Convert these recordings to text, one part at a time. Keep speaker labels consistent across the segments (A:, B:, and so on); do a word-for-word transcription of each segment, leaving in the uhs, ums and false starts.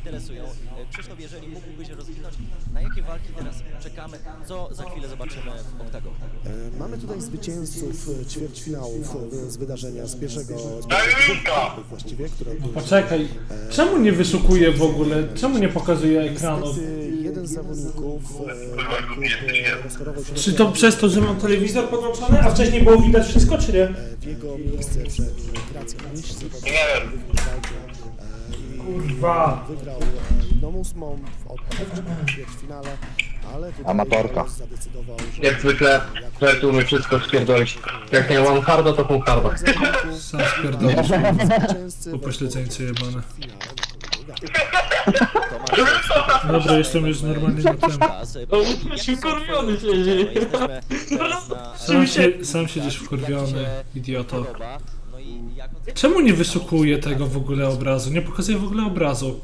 A: interesują. Krzysztof, jeżeli mógłbyś rozwinąć, na jakie walki teraz czekamy, co za chwilę zobaczymy w oktagonie?
B: Mamy tutaj zwycięzców ćwierćfinałów z wydarzenia z pierwszego, z pierwszego właściwie, które
C: Poczekaj, czemu nie wyszukuje w ogóle? Czemu nie pokazuje ekranów?
B: niestety jeden z zawodników e, rozchorował się
C: Czy to przez to, że mam telewizor podłączony, a wcześniej było widać wszystko, czy nie?
B: w jego miejsce wszedł Gracja Miś, zawodnik
C: Kurwa.
B: wygrał Nomus Mom w odpadach w ćwierćfinale, ale tutaj
D: Amatorka.
B: zadecydował, że
E: Jak zwykle, że tu umie wszystko spierdolić. Jak nie mam harda, to pół harda.
C: Sam spierdolisz,
B: zwycięzcy
C: upośledzeńcy jebane.
B: w finale
C: Dobra, jestem już normalnie na tym.
E: Wkurwiony siedzi.
C: Sam, się, sam siedzisz wkurwiony, idioto. Czemu nie wyszukuje tego w ogóle obrazu? Nie pokazuje w ogóle obrazu.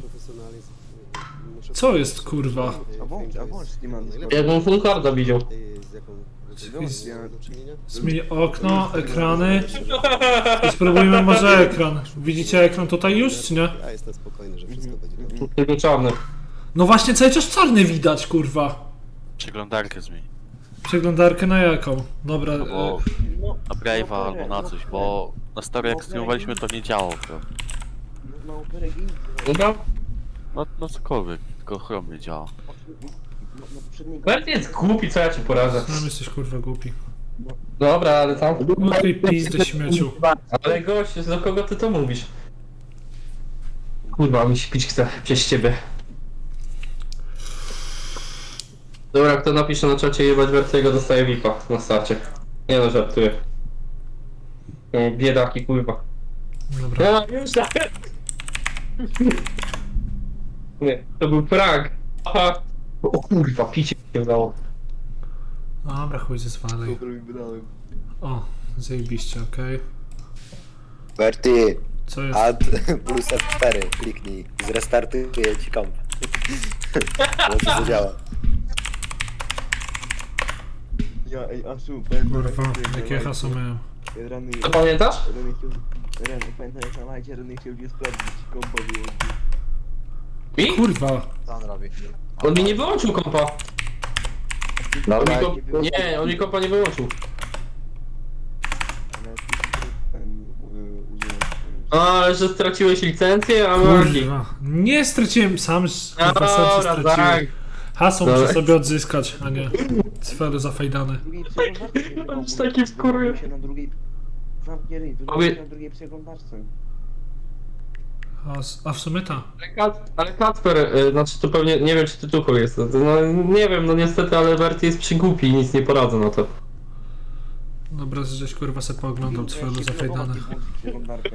C: Co jest, kurwa?
E: Jakbym full harda widział.
C: Zmień okno, ekrany i spróbujmy może ekran. Widzicie ekran tutaj już, czy nie?
B: Ja jestem spokojny, że wszystko będzie dobrze.
E: Tylko czarny.
C: No właśnie, cały czas czarny widać, kurwa.
F: Przeglądarkę zmień.
C: Przeglądarkę na jaką? Dobra,
F: Albo
C: e,
F: na Brave'a, albo na coś, bo na stary jak streamowaliśmy to nie działało to.
E: Dobra?
F: No, no cokolwiek, tylko Chrome nie działa.
E: Bert jest głupi, co ja ci poradzę.
C: sam jesteś kurwa głupi.
E: Dobra, ale tam...
C: No tej pizdy śmieciu.
E: Ale gość, do kogo ty to mówisz? Kurwa, mi się pić chce przez ciebie. Dobra, kto napisze na czacie jebać Bertiego, dostaje V I P-a na starcie. Nie no, żartuję. No, biedaki, kurwa.
C: Dobra.
E: Ja, już tak. Nie, to był prank. Aha. O kurwa, picie się udało.
C: Dobra, chuj ze zwalej. O, zajebiście, okej.
D: Berty,
C: Co jest?
D: add plus F cztery, kliknij, zrestartuję ci komp. Może zadziała.
G: Ja, ej, Aszu,
C: Kurwa, jakie hasło miałem?
G: Rany,
E: To pamiętasz?
G: Rany chciał, Rany, pamiętam jak na lajcie, Rany chciał mnie sprawdzić, kompa wyłączył.
E: Mi?
C: Kurwa.
D: Co on robi?
E: On mi nie wyłączył kompa. On mi
D: Dobra,
E: komp... Nie, on mi kompa nie wyłączył.
G: Ale ten, y, użyłem.
E: A, ale że straciłeś licencję, a marki.
C: Kurwa. Nie straciłem sam,
E: A
C: kurwa, sam się
E: dobra, tak.
C: straciłem. Hasło
E: Dobra.
C: muszę sobie odzyskać, a nie sfery zafajdane.
G: Drugiej przeglądarce nie
E: On
G: było,
E: już taki wkurwie.
G: wyłączył się na drugiej... Zamknie ryj,
E: Powie-
G: wyłączył się na drugiej przeglądarce.
C: A, s- a w sumie ta.
E: Ale, Kat, ale Kacper, y, znaczy to pewnie, nie wiem czy ty tuchol jest, no nie wiem, no niestety, ale Bertie jest przygłupi i nic nie poradzę na to.
C: Dobra, żeś kurwa se pooglądał sfery zafajdane.
G: Przeglądarkę.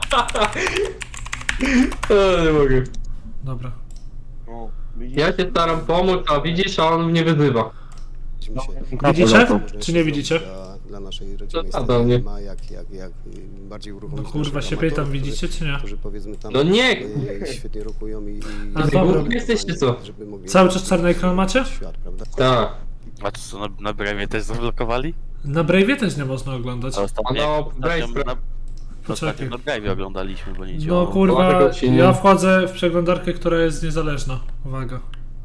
E: E, nie mogę.
C: Dobra.
G: O, widzisz?
E: Ja się staram pomóc, a widzisz, a on mnie wyzywa.
C: Widzicie? Czy nie widzicie?
B: Dla, dla naszej rodziny
E: To do mnie.
B: ma jak, jak, jak bardziej
C: No
B: uruchomić
C: kurwa
B: naszych
C: się pytam,
B: amatorów,
C: widzicie czy nie?
B: którzy powiedzmy tam
E: No nie!
B: e, świetnie rokują i, i
C: A,
B: i-
C: dobra.
B: żeby
E: Jesteście co?
B: żeby mogli
C: Cały czas czarny ekran macie?
B: świat, prawda?
E: Tak.
F: A to co, na, na Brave'ie też zablokowali?
C: Na Brave'ie też nie można oglądać.
F: A ostatnio,
E: No,
F: ostatnio,
E: Brave-
F: na,
C: Poczekaj.
F: ostatnio na Brave'ie oglądaliśmy, bo nie
C: No
F: działało.
C: kurwa,
E: Dlatego się nie-
C: ja wchodzę w przeglądarkę, która jest niezależna. Uwaga.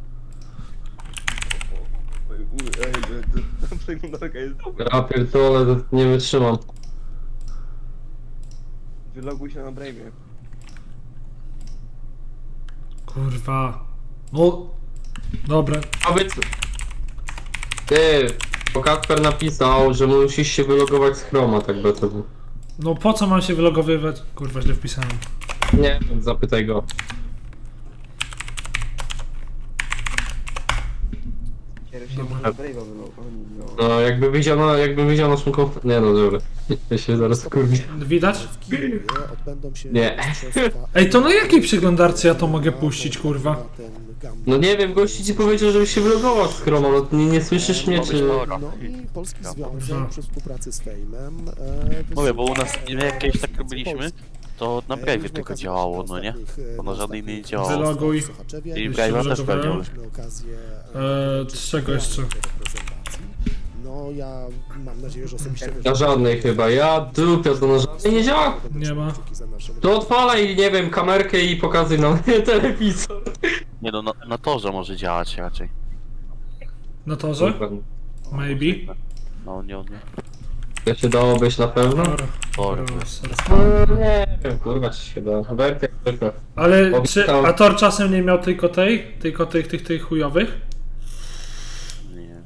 G: Ej, u- ej, e, ta przeglądarka jest...
E: Ja pierdolę, to nie wytrzymam.
G: Wyloguj się na Brave'ie.
C: Kurwa. No. Dobra.
E: Powiedz... Ty, bo Kacper napisał, że musisz się wylogować z Chroma, tak by to było.
C: No po co mam się wylogowywać? Kurwa, źle wpisałem.
E: Nie wiem, zapytaj go.
G: Kieruj się może na Brave'a wylogować. No.
E: No, jakby widział, no, jakby widział naszą konf... Nie no, dobra. Ja się zaraz kurwię.
C: Widać?
B: W Kijowie odbędą się
E: Nie.
B: mistrzostwa
C: Ej, to na jakiej przeglądarce ja to mogę puścić, kurwa?
B: na ten gambit.
E: No nie wiem, gości ci powiedział, żebyś się wylogował z Chroma, no nie, nie słyszysz mnie, czy...
B: No i Polski Związek przy współpracy z Fejmem e,
F: Mówię, bo u nas
B: wysyła-
F: nie jakieś tak robiliśmy, to na
B: E,
F: Brave'ie
B: mieliśmy
F: tylko
B: okazję
F: działało, no
B: poznać
F: nie?
B: ostatnich, e,
F: Bo na żadnej innej nie działało.
C: Wyloguj.
B: w Sochaczewie.
F: I
C: Już
F: Brave'a
C: się
F: też
C: wylogowałem.
F: pewnie.
B: Mieliśmy okazję
C: Eee, czego jeszcze?
B: reprezentacji. No ja mam nadzieję, że osobiście
E: Na żadnej chyba, ja dupia, to na żadnej nie działa.
C: Nie ma.
B: Kciuki za naszą
E: To odpalaj, nie wiem, kamerkę i pokazuj nam telewizor.
F: Nie no, na, na torze może działać raczej.
C: Na torze?
E: Kurwa,
C: Maybe.
F: No nie, nie.
E: to się dało być na pewno?
C: Dobra.
F: Tor.
E: No, nie wiem, kurwa, czy się da. Werty jak zwykle.
C: Ale czy
E: Obiecał-
C: a Tor czasem nie miał tylko tej? Tylko tych, tych, tych chujowych?
F: Nie.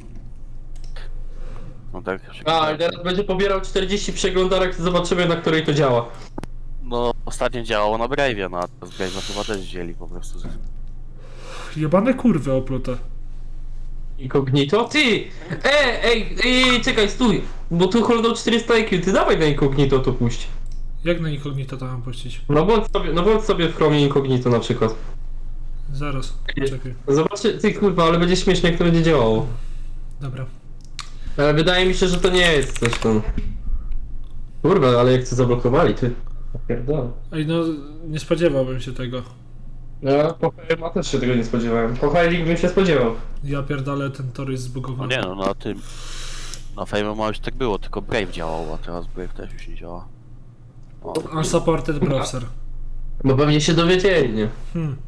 F: No tak.
E: A, i teraz będzie pobierał czterdzieści przeglądarek, to zobaczymy, na której to działa.
F: No ostatnio działało na Brave'ie, no a z Brave'a chyba też wzięli po prostu.
C: Jebane kurwy oplute.
E: Incognito? Ty! E, ej, ej, czekaj, stój! Bo tu holdał czterysta I Q, ty dawaj na Incognito to puść.
C: Jak na incognito to mam puścić?
E: No bądź sobie, no bądź sobie w Chromie Incognito na przykład.
C: Zaraz, czekaj.
E: Zobaczcie, ty kurwa, ale będzie śmiesznie, jak to będzie działało.
C: Dobra.
E: Ale wydaje mi się, że to nie jest coś tam. Kurwa, ale jak to zablokowali, ty. Pierdolę.
C: Ej, no nie spodziewałbym się tego.
E: No, po Firema też się tego nie spodziewałem. Po Fire'ik bym się spodziewał.
C: Ja pierdolę, ten tor jest
F: No
C: zbugowany.
F: nie no, na tym. Na Fame'ie ma już tak było, tylko Brave działał, a teraz Brave też już nie działa. O,
C: Unsupported browser.
E: Bo pewnie się dowiedzieli, nie?
C: Hmm.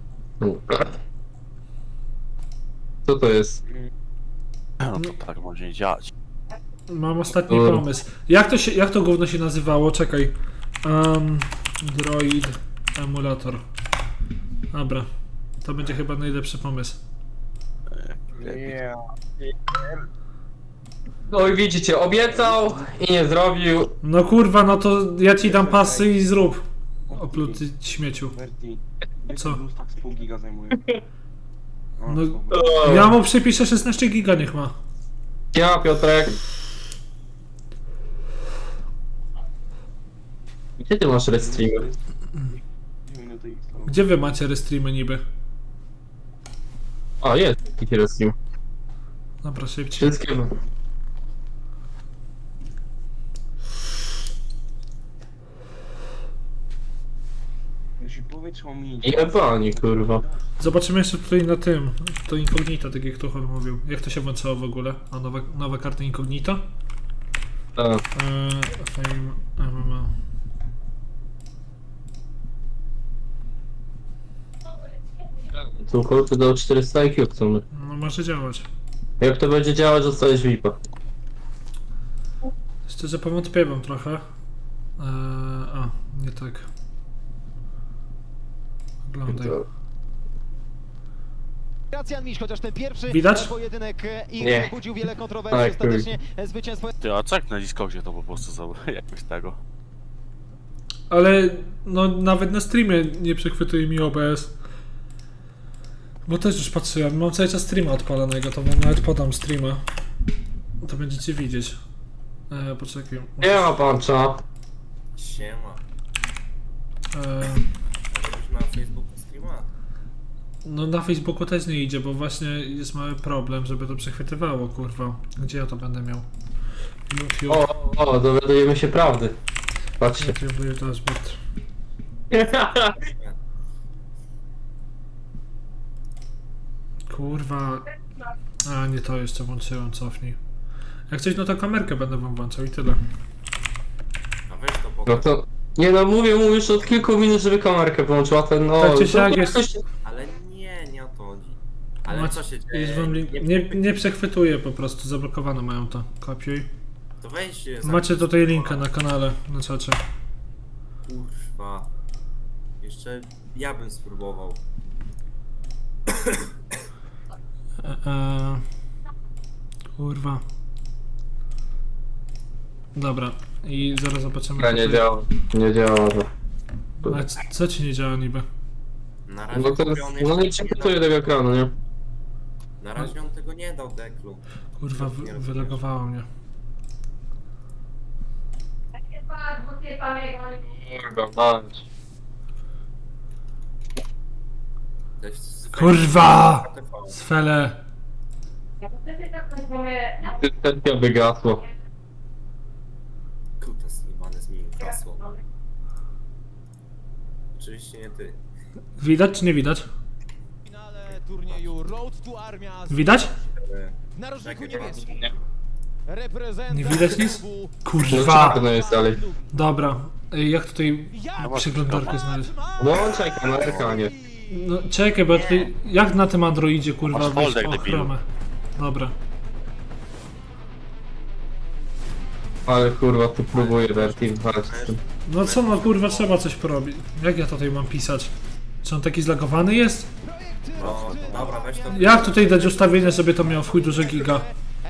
E: Co to jest?
F: no to tak może nie działać.
C: Mam ostatni
E: Dobra.
C: pomysł. Jak to się, jak to gówno się nazywało? Czekaj. Um, Droid emulator. Dobra. To będzie chyba najlepszy pomysł.
E: No i widzicie, obiecał i nie zrobił.
C: No kurwa, no to ja ci dam pasy i zrób. Opluty śmieciu.
G: Verti.
C: Co?
G: Plus tak z pół giga zajmuje. O,
C: No,
G: spoko.
C: ja mu przypiszę szesnaście giga, niech ma.
E: Ja, Piotrek. Gdzie ty masz restreamy?
G: Dwie minuty i sto.
C: Gdzie wy macie restreamy niby?
E: A, jest taki restream.
C: Dobra, szybciej.
E: Wszystkie.
G: Jeśli powietrze mi
E: I ebani, kurwa.
C: Zobaczymy jeszcze tutaj na tym. To incognito, tak jak Tuchol mówił. Jak to się włączało w ogóle? A nowe, nowe karty incognito?
E: A,
C: Eee, Fame M M O.
E: tu kolty do czterysta I Q chcemy.
C: No może działać.
E: Jak to będzie działać, dostajesz V I P-a.
C: Szczerze powątpiewam trochę. Eee, a, nie tak. Oglądaj.
H: Gracjan Miś, chociaż ten pierwszy
C: Widać?
H: pojedynek i
E: Nie.
H: budził wiele kontrowersji,
E: Aj,
H: ostatecznie zwycięstwo
F: Ty, a co jak na Discordzie to po prostu za jakoś tego?
C: Ale no nawet na streamie nie przechwytuje mi O B S. Bo też już patrzyłem, mam cały czas streama odpalonego, to wam nawet podam streama. To będziecie widzieć. Eee, poczekaj.
E: Nie ma pancza.
I: Siema.
C: Eee,
I: Już na Facebooku streama?
C: no na Facebooku też nie idzie, bo właśnie jest mały problem, żeby to przechwytywało, kurwa. Gdzie ja to będę miał? YouTube.
E: O, o, dowiadujemy się prawdy. Patrzcie.
C: YouTube dashboard. Kurwa. A, nie to jeszcze włączyłem, cofnij. Jak coś, no to kamerkę będę wam włączał i tyle.
I: A weź to
E: No
I: pokaż.
E: to... Nie no, mówię mu już od kilku minut, żeby kamerkę wyłączyła, ten no...
C: Tak czy siak
E: to-
C: jest-
E: coś-
I: Ale nie, nie o to chodzi. Ale
C: Macie-
I: co się dzieje?
C: Jest wam link. Nie, nie przechwytuje po prostu, zablokowane mają to. Kopiuj.
I: To weź się
C: Macie tutaj linka na kanale, na czacie.
I: Kurwa. Jeszcze ja bym spróbował.
C: E, e, kurwa. Dobra, i zaraz zobaczymy.
E: Nie, nie
C: tutaj-
E: działa. Nie działa to.
C: Ale c- co ci nie działa niby?
I: Na razie
E: No teraz,
I: kupiony
E: no nie
I: jeszcze
E: przekrytuje tego ekranu, nie?
I: Na razie on tego nie dał deklu.
C: Kurwa, wy, wylegowało mnie.
E: Kurwa, mać.
I: To jest
C: Kurwa!
I: T V.
C: Sfele!
E: Tentia wygasło.
I: Kuta zjebane zmienił hasło. Oczywiście nie ty.
C: Widać czy nie widać?
H: w finale turnieju Road to Armia z
C: Widać?
I: Ale...
H: w narożniku
I: Czekaj,
H: niebieskim.
E: Nie.
H: Reprezentant
C: Nie widać nic?
H: klubu
E: No
C: Kurwa!
E: czarno jest dalej.
C: Dobra, Ej, jak tutaj
H: Jak
C: przeglądarkę znaleźć?
E: Włączaj kamerkę, a nie.
C: No czekaj, bo ty, jak na tym Androidzie kurwa
F: Masz
C: wyjść
F: folder,
C: po
F: debilu.
C: ochronę? Dobra.
E: Ale kurwa, tu próbuję Verti walczyć z tym.
C: No co no kurwa, trzeba coś porobić. Jak ja tutaj mam pisać? Czy on taki zlagowany jest?
I: No, dobra, weź to.
C: Jak tutaj dać ustawienie, żeby to miało w chuj duże giga?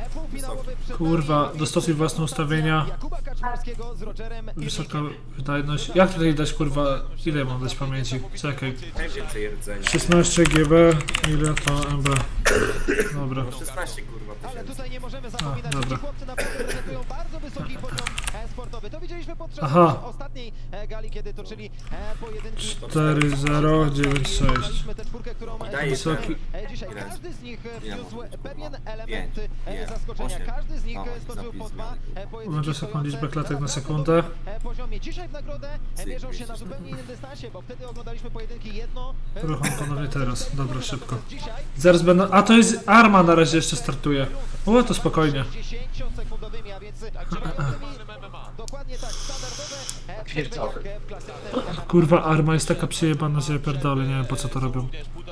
C: Kurwa, dostosuj własne ustawienia.
H: Jakuba Kaczmarskiego z Rogerem i
C: Wysoka wydajność. Jak tutaj dać kurwa, ile mam dać pamięci? Czekaj.
I: Najwięcej rdzenia.
C: szesnaście giga, ile to M B? Dobra.
I: No szesnaście kurwa
H: Ale
I: tysięcy.
H: tutaj nie możemy zapominać,
C: A,
H: że ci
C: dobra.
H: chłopcy naprawdę prezentują bardzo wysoki poziom e, sportowy. To widzieliśmy podczas
C: Aha.
H: ostatniej e, gali, kiedy toczyli e, pojedynki.
C: cztery zero dziewięć sześć.
H: Oglądaliśmy tę czwórkę, którą e,
I: Daje
C: Wysoki.
H: e, dzisiaj
I: Ile?
H: każdy z nich e,
I: Ile
H: wniósł
I: może być?
H: pewien
I: Pięć,
H: element e,
I: nie,
H: zaskoczenia.
I: osiem.
H: Każdy z nich
I: Dawaj,
H: e, stoczył po
I: zapis
H: dwa
I: zmiany.
H: e, pojedynki
C: Uważaj sobie
H: stojące
C: liczbę klatek na
H: bardzo
C: sekundę.
H: wysokim, e, poziomie. Dzisiaj w nagrodę e,
I: Cyk,
H: mierzą się na
I: widzisz.
H: zupełnie innym dystansie, bo wtedy oglądaliśmy pojedynki jedno... e,
C: Rucham panowie teraz. Dobra, szybko.
H: Dzisiaj
C: Zaraz będę. A to jest Arma na razie jeszcze startuje. O, to spokojnie.
H: sześćdziesięciosekundowymi, a więc trzydziestowymi. Dokładnie tak, standardowe e, przerwy jak w klasycznym.
C: Kurwa, Arma jest taka przyjebana, że ja pierdolę, nie wiem po co to robią.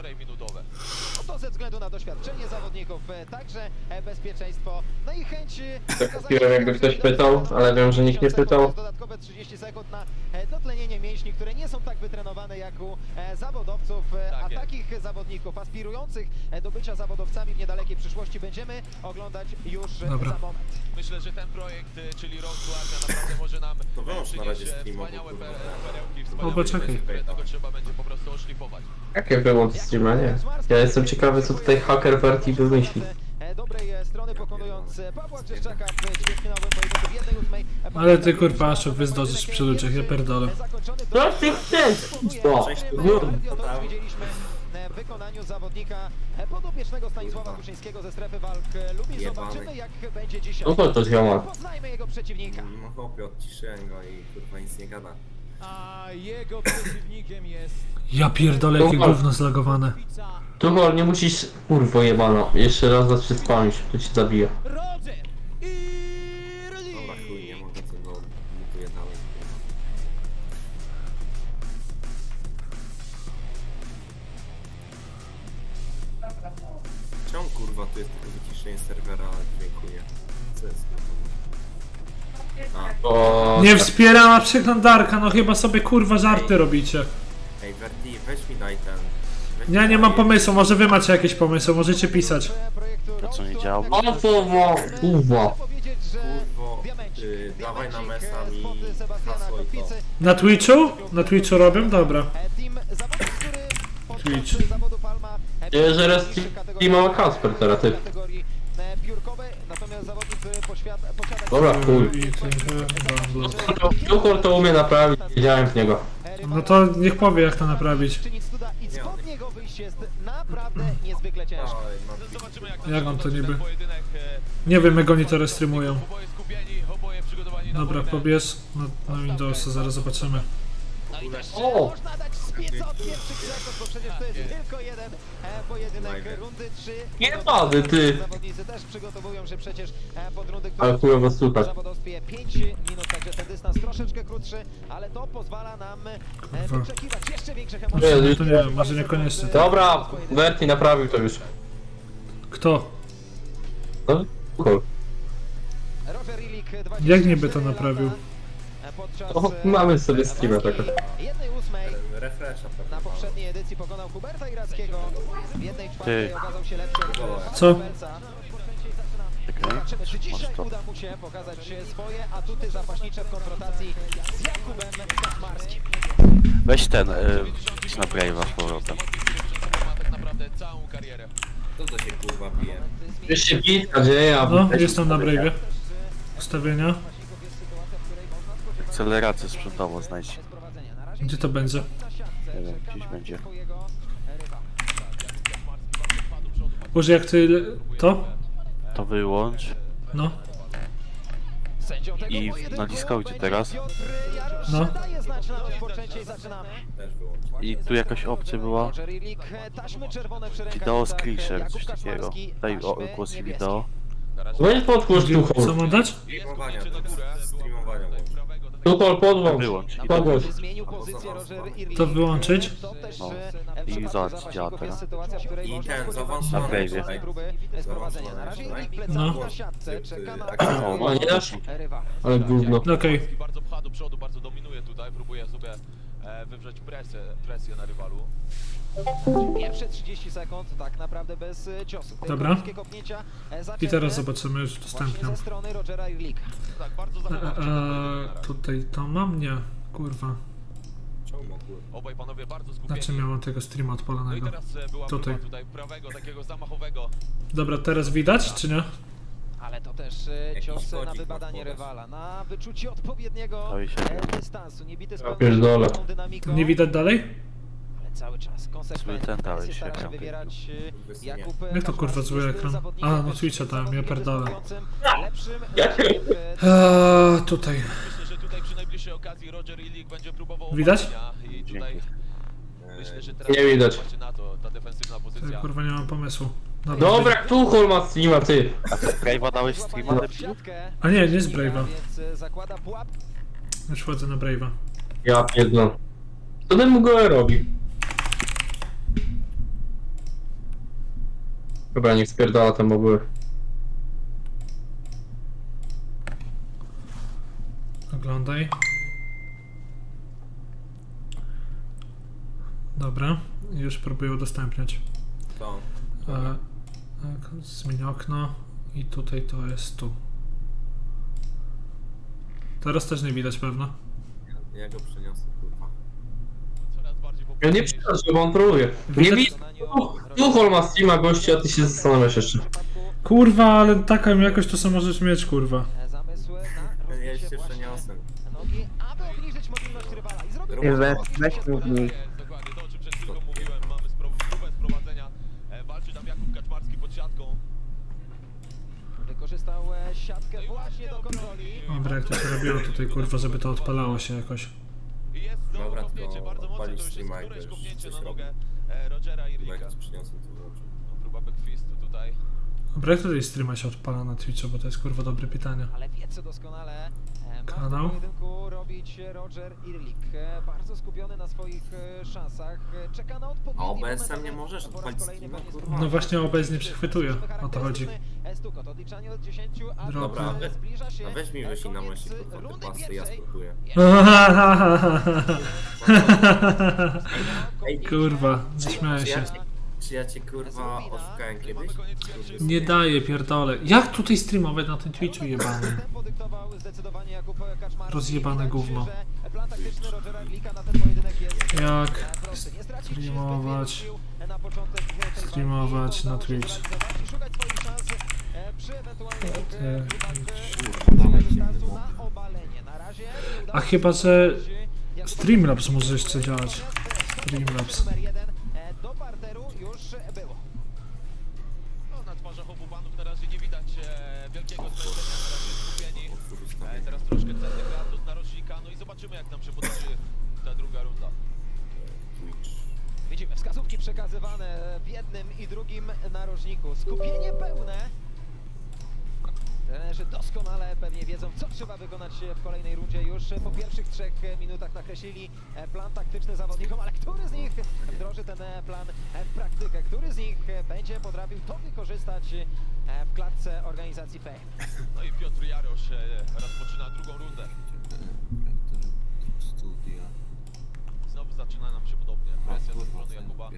H: To ze względu na doświadczenie zawodników, e, także e, bezpieczeństwo, no i chęć... e,
E: Tak kupiłem, jakby ktoś pytał, ale wiem, że nikt nie pytał.
H: Dodatkowe trzydzieści sekund na e, dotlenienie mięśni, które nie są tak wytrenowane jak u e, zawodowców, e, a takich zawodników aspirujących e, do bycia zawodowcami w niedalekiej przyszłości będziemy oglądać już e,
C: Dobra.
H: za moment.
J: Myślę, że ten projekt, y, czyli Road to Armia, naprawdę może nam
I: To wyłącz na razie
J: przynieść e,
I: streama, bo
J: wspaniałe
I: kurwa.
J: pe- perełki,
C: O,
J: wspaniałe
C: poczekaj.
J: rzeczy, które tylko trzeba będzie po prostu oszlifować.
E: Jakie było to streama, nie? Ja jestem ciekawy, co tutaj haker Verti wymyśli.
H: E, dobrej e, strony pokonując e, Pawła Grzeszczaka w ćwierćfinałowym pojedynku w jednej ósmej. e,
C: Ale ty kurwa, Aszok, wy zdążysz przy ludziach, ja pierdolę.
H: e, zakończony
E: Co ty chcesz? O,
H: Bardzo to widzieliśmy e, w wykonaniu zawodnika e, podopiecznego Stanisława Kuszyńskiego ze strefy walk e, Lublin.
I: Jebany.
H: Zobaczymy jak będzie dzisiaj.
E: no to to ziomal.
H: Poznajmy jego przeciwnika.
I: No chłopie, odciszyłem go i kurwa nic nie gada.
H: A jego przeciwnikiem jest
C: Ja pierdolę, jakie gówno zlagowane.
E: Tuchol, nie musisz... Kurwo jebano. Jeszcze raz zacznie spamić, to ci zabija.
H: Roger
I: Dobra chuj, nie mogę tego mutuję dalej. Czemu kurwa tu jest tylko wyciszenie serwera, ale dziękuję. Co jest kurwa? A,
E: O,
C: Nie wspierała przeglądarka, no chyba sobie kurwa żarty robicie.
I: ej Verti, weź mi daj ten. Weź
C: Ja
I: mi
C: nie
I: daj-
C: mam pomysłu, może wy macie jakieś pomysły, możecie pisać.
H: projektu
F: To co nie
H: Road to
F: działa?
H: Armia.
E: o kurwa, kurwa.
H: Powiedzieć, że
I: Kurwo,
H: diamencik,
I: y, dawaj na
H: diamencik,
I: mesa
H: e,
I: mi
H: spod Sebastiana
I: hasło i to.
H: Kotwicy.
C: Na Twitchu? Na Twitchu robią? Dobra.
H: E, Team zawodnik, który podczas
C: Twitch.
H: zawodu Palma e,
E: Nie, że raz
H: niższych kategorii-
E: teamała Kasper teraz, ty.
H: kategorii, e, piórkowej, natomiast zawodnik, który poświat, posiada...
E: Dobra, chuj.
C: I tym, e,
E: Tuchol to umie naprawić, wiedziałem w niego.
C: No to niech powie jak to naprawić.
H: Czynić cuda i spod niego wyjść jest naprawdę niezwykle ciężko.
I: Oj, no,
J: Zobaczymy jak
C: Jak on to niby?
J: ten pojedynek. e,
C: Nie wiem jak oni to streamują.
J: Oboje skupieni, oboje przygotowani na
C: Dobra,
J: wojnę.
C: pobierz na, na Windowsa, zaraz zobaczymy.
E: O!
H: Można dać spiec od pierwszych sekund, bo przecież to jest tylko jeden e, pojedynek
I: Najpierw.
H: rundy trzy.
E: Nie wady, ty.
H: Zawodnicy też przygotowują się przecież e, pod rundy,
E: Ale
H: które
E: chujowo
H: w
E: słuchać.
H: zawodowstwie pięć minut, także ten dystans troszeczkę krótszy, ale to pozwala nam e,
C: Kurwa.
H: wyczekiwać jeszcze większych
E: Nie,
H: emocji.
C: No to nie wiem, może niekoniecznie.
E: Dobra, Verti naprawił to już.
C: Kto?
E: No, Tuchol.
H: Roger Illich, dwadzieścia
C: Jak niby to
H: cztery
C: naprawił?
H: lata, e, podczas,
E: O,
H: e,
E: mamy sobie streama
H: walki
E: takiego.
H: jednej ósmej
I: refresha pewnie.
H: na poprzedniej edycji pokonał Huberta Irackiego, w jednej czwartej
F: Ty.
H: okazał się lepszy od
C: Co?
H: Huberta.
F: Czekaj.
H: Zobaczymy, czy dzisiaj
F: Masz to.
H: uda mu się pokazać swoje atuty zapaśnicze w konfrontacji z Jakubem Kaczmarskim.
F: Weź ten, y, idź na Brave'a z powrotem.
J: Ma tak naprawdę całą karierę.
I: To to się kurwa bije.
E: Już się bitka dzieje, a...
C: No, jestem na Brave'ie. Ustawienia.
F: Akcelerację sprzętową znajdź.
C: Gdzie to będzie?
F: Nie wiem, gdzieś będzie.
C: Boże, jak ty... To?
F: To wyłącz.
C: No.
H: Sędzią tego
F: I
H: pojedynku
F: na Discordzie
H: będzie
F: teraz?
H: Piotr Jarosz.
C: No.
H: Daje znać na rozpoczęcie i zaczynamy.
I: Też wyłącz.
F: I tu jakaś opcja była.
H: Roger Illich, taśmy czerwone przy
F: Wideo
H: rękawicach,
F: screenshare,
H: Jakub
F: coś takiego.
H: Kaczmarski,
F: Daj o,
H: taśmy
F: głos i
H: niebieskie.
F: wideo.
E: Weź podgłos
C: Gdzie, co
E: Tuchol.
C: mam dać?
I: Streamowania, to jest streamowania włącz.
E: Tuchol, podłącz.
F: Wyłącz.
E: Podgłos.
H: Zmienił pozycję Roger Irlich.
C: To wyłączyć?
H: To też
F: No.
H: e,
F: I
H: przypadku
F: zobacz,
H: zawodników
F: działa
H: jest
F: teraz.
H: sytuacja, w której
I: I
H: można
I: ten,
H: spodziewać się
I: zaawansowany
F: tutaj.
H: mocnej próby sprowadzenia. Na razie
I: Zaawansowany.
H: Erik plecami
C: No.
H: na siatce, czeka na
F: O,
E: O, nie dasz?
H: rywala.
E: Ale gówno.
C: Okej.
J: Bardzo pcha do przodu, bardzo dominuje tutaj, próbuje sobie e, wywrzeć presję, presję na rywalu.
H: Pierwsze trzydzieści sekund tak naprawdę bez e, ciosu. Tylko
C: Dobra.
H: niskie kopnięcia, e,
C: I
H: zaczęte
C: teraz zobaczymy już
H: właśnie
C: udostępniam.
H: ze strony Rogera Irlika.
J: Tak, bardzo
C: E,
J: zachowawczy.
C: e, tutaj to mam? Nie. Kurwa.
I: Czemu mogły?
J: Obaj panowie bardzo skupieni.
C: Znaczy miałem tego streama
J: No i
C: odpalonego.
J: teraz e, była
C: Tutaj.
J: próba tutaj prawego, takiego zamachowego.
C: Dobra, teraz widać, czy nie?
H: Ale to też e,
I: Jakiś
H: cios na
I: kodzik
H: wybadanie
I: masz podać.
H: rywala, na wyczucie odpowiedniego
F: To i się
H: e,
F: wie.
H: dystansu. Nie bity z
E: Ja
H: pełną
E: pierdolę.
H: dynamiką,
C: Nie widać dalej?
H: ale cały czas konsekwentnie
F: ten dałeś
H: presję
F: się
H: stara się
F: ekran.
H: wywierać e,
I: Bez
H: Jakub
C: Jak to, kurwa,
H: Kaczmarski,
C: zły
H: jest
C: ekran?
H: zawodnikiem,
C: A, no
H: też
C: Twitcha dałem, ja
H: zawodnikiem
C: pierdolę.
H: dysponującym lepszym e,
C: Eee, tutaj.
J: Myślę, że tutaj przy najbliższej okazji Roger Illich będzie próbował
C: Widać?
J: obalenia i tutaj
F: Dzięki.
J: myślę, że teraz
E: Nie widać.
J: patrzcie na to, ta defensywna
C: Ja,
J: pozycja.
C: kurwa nie mam pomysłu. Dobra.
E: Dobra, tu Holma streama, ty.
F: A ty Brave'a dałeś streama?
H: złapania w siatkę.
C: A nie, nie z Brave'a.
H: Więc e, zakłada pułap.
C: Już wchodzę na Brave'a.
E: Ja pierdolę. Co ten Mugole robi? Dobra, niech spierdala ten Mugole.
C: Oglądaj. Dobra, już próbuję udostępniać.
I: To.
C: E, tak, zmienię okno i tutaj to jest tu. Teraz też nie widać pewno.
I: Ja go przeniosę, kurwa.
J: Coraz bardziej
E: Ja nie przepraszam, bo on próbuje. Nie
C: Widać-
E: widzę. Tu, tu Holma streama, gościu, a ty się zastanawiasz jeszcze.
C: Kurwa, ale taką jakość to co możesz mieć, kurwa.
H: E, Zamysł na
I: Ja
H: rozbicie
I: się
H: właśnie
I: przeniosę.
H: nogi, aby obniżyć mobilność rywala. I zrobił
I: Nie,
H: to,
I: weź-
H: obniżył
G: weź
H: się
G: mów
H: z
G: mi.
J: Jest, dokładnie to, o czym przed chwilką mówiłem. Mamy spro- próbę sprowadzenia. E, walczy tam Jakub Kaczmarski pod siatką.
H: Wykorzystał e, siatkę właśnie do kontroli.
C: Dobra, jak to się robiło tutaj, kurwa, żeby to odpalało się jakoś.
J: I jest znowu
I: Dobra,
J: kopnięcie,
I: tylko
J: bardzo mocne, to
I: odpalić
J: już jest
I: streama,
J: któreś
I: jak
J: kopnięcie
I: już
J: na
I: coś
J: nogę e, Rogera
I: Chyba
J: Irlika.
I: jak ci przyniosę, to włączę.
J: No, próba backfistu tutaj.
C: Dobra, jak tutaj streama się odpala na Twitchu, bo to jest kurwa dobre pytanie.
H: Ale wie co doskonale e, ma w
C: Kanał?
H: tym pojedynku robić Roger Irlik. E, Bardzo skupiony na swoich e, szansach. E, Czeka na odpowiedni
I: A O B S
H: moment,
I: em nie
H: aby
I: możesz
H: po raz
I: odpalić
H: kolejny
I: streama,
H: koniec
I: kurwa?
H: turnieju.
C: No właśnie O B S nie przechwytuje, o to chodzi.
H: E, Stukot, odliczanie od dziesięciu, a
C: Dobra,
H: e,
I: a we-
H: zbliża się
I: A weź mi
H: e,
I: wyślij na
H: koniec
I: myśli, kurwa, te
H: rundy
I: pasy, ja
H: pierwszej.
I: spróbuję. Ej,
C: Kurwa, zaśmiałem
I: Czy ja
C: się.
I: cię, czy ja cię kurwa oszukałem kiedyś?
C: Nie daje, pierdolę. Jak tutaj streamować na tym Twitchu jebany?
H: Podyktował zdecydowanie Jakub Kaczmarski.
C: Rozjebane
H: Wydaje mi się,
C: gówno.
H: że plan taktyczny Rogera Irlika na ten pojedynek jest
C: Jak
H: e, prosty. Nie stracić zbyt
C: streamować,
H: wielu sił na początek tej
C: streamować
H: walki.
C: na
H: Udało się
C: Twitch?
H: zrealizować i szukać swoich szans e, przy ewentualnych e,
C: E,
H: próbach e, dystansu na obalenie. Na razie nie udało
C: A
H: się
C: chyba, że
H: Jakubowi
C: Streamlabs może jeszcze działać. Streamlabs.
H: numer jeden e, do parteru już było.
J: No, na twarzach obu panów na razie nie widać e, wielkiego zmęczenia, na razie skupieni. E, teraz troszkę cenny gardus narożnika, no i zobaczymy jak nam się potoczy ta druga runda.
H: Widzimy wskazówki przekazywane w jednym i drugim narożniku. Skupienie pełne. Trenerzy doskonale pewnie wiedzą, co trzeba wykonać w kolejnej rundzie. Już po pierwszych trzech minutach nakreślili plan taktyczny zawodnikom, ale który z nich wdroży ten plan w praktykę? Który z nich będzie potrafił to wykorzystać w klatce organizacji Fame?
J: No i Piotr Jarosz e, rozpoczyna drugą rundę.
I: Studia.
J: Znowu zaczyna nam się podobnie. Presja ze strony Jakuba.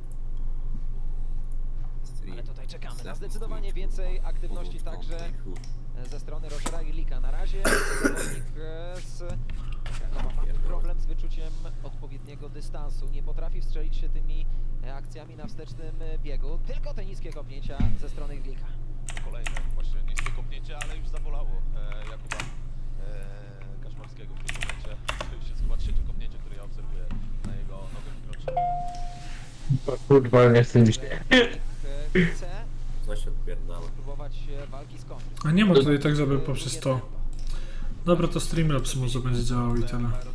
H: Ale tutaj czekamy na zdecydowanie więcej aktywności także ze strony Rogera Irlika. Na razie zawodnik e, z Krakowa ma problem z wyczuciem odpowiedniego dystansu. Nie potrafi strzelić się tymi e, akcjami na wstecznym e, biegu. Tylko te niskie kopnięcia ze strony Irlika.
J: Kolejne właśnie niskie kopnięcie, ale już zabolało e, Jakuba e, Kaczmarskiego w tym momencie. To już jest chyba trzecie kopnięcie, które ja obserwuję na jego nogę wykroczną.
E: Kurwa, nie chcę mi się.
H: E, Chce
I: Coś odpierdala.
H: próbować e, walki z kontry.
C: A nie ma tutaj tak, żeby poprzez to. Dobra, to Streamlabs może będzie działał i tyle.